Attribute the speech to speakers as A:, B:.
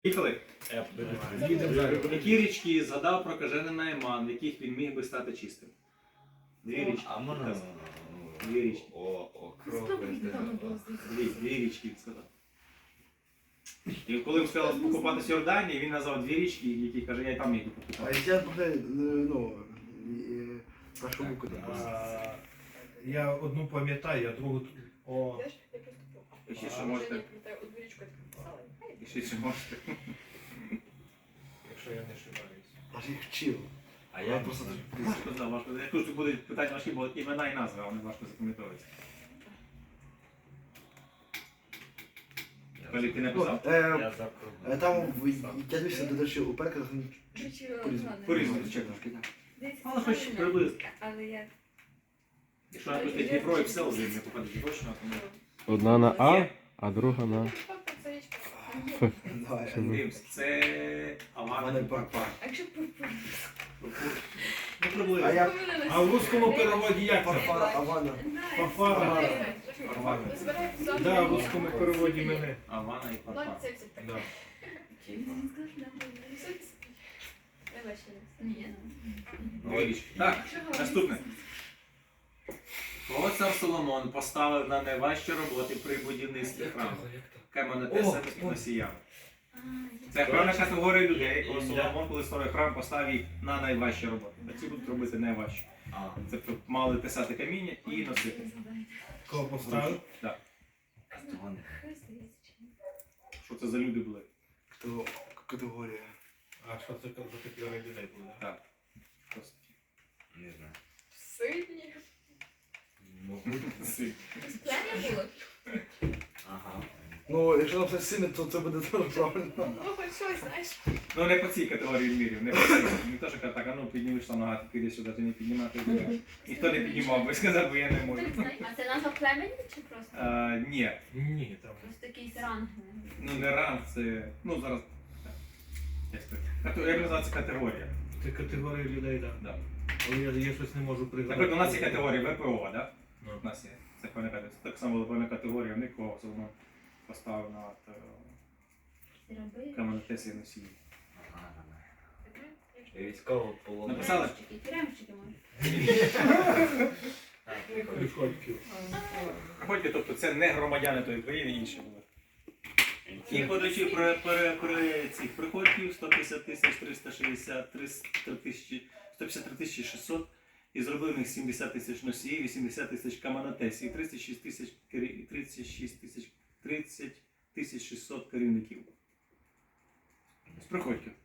A: Їхали.
B: Їдемо далі.
A: Які річки згадав про кажений найман, в яких він міг би стати чистим? Дві річки.
C: А можна?
A: Дві річки. Дві річки він сказав. І коли він сказав покупатися в Йорданії, він назвав дві річки, які каже, я й там міг би
B: А
A: покупатися.
B: я поки, ну, прошу букву так. Я одну пам'ятаю, а другу... О,
A: І ще що можете? І ще що можете?
B: якщо я не ошибаюсь. Аж їх вчив.
C: А я
B: просто...
A: Важко. Я кажу, що будуть питання важкі, бо імена і назви, а вони важко запам'ятовуються. Коли ти написав?
C: Я запробую.
B: Там, я дивився, до речі, у перекладах
A: По-різному, звичайно. Але хоч приблизно.
D: Але я...
A: Якщо написати Дніпро і все, вже не попадеш точно, тому...
E: Одна на А, а друга на Ф.
A: Дивимось, це Авана.
D: А якщо пурпур?
A: Ну, приблизно.
B: А в русскому переводі як це? Авана. Фафара. Да, в русскому переводі мене.
A: Авана і Парпар.
B: Да.
A: Так, наступне. Кого цар Соломон поставив на найважчі роботи при будівництві храму? Каменотеса і носіями. Це певна категорія людей, коли Соломон, коли створив храм, поставив їх на найважчі роботи. А ці будуть робити найважчі. Це мали тесати каміння і носити.
B: Кого поставив?
A: Так. Що це за люди були?
B: Хто категорія?
F: А що це за категорія людей буде?
A: Так. Просто.
C: Не знаю.
D: Сильні. П'яні було?
C: Ага.
B: Ну, якщо написати сильно, то це буде дуже правильно.
D: Ну, хоч щось, знаєш.
A: Ну не по цій категорії мірів, не по цій. Ніхто ж каже, так, а ну піднімеш там нога, ти підеш сюди, ти не піднімати. Ніхто не піднімав, бо сказав, бо я не можу.
G: А це назва племені чи просто?
A: Ні,
F: Ні, там.
G: Просто якийсь ранг.
A: ну не ранг, це, ну зараз, так, як сказати, я б назвав це категорія.
F: Це категорія людей, так.
A: Да.
F: Але я щось не можу пригадати.
A: Наприклад, у нас є категорія ВПО, да?
F: Ну.
A: У нас є, це певна категорія. Так само була певна категорія, в них кого Соломон поставив на каменотесі і носії.
C: Ага. Військово полон.
A: Написали?
G: Тюремщики може.
F: Приходьків.
A: Приходьте, тобто це не громадяни тої країни, інші були. І подачі при цих приходьків 150 тисяч 363 тисячі 153 тисячі 600 і зробив в них 70 тисяч носіїв, 80 тисяч каменотесів і 36 тисяч 600 керівників. З приходьків.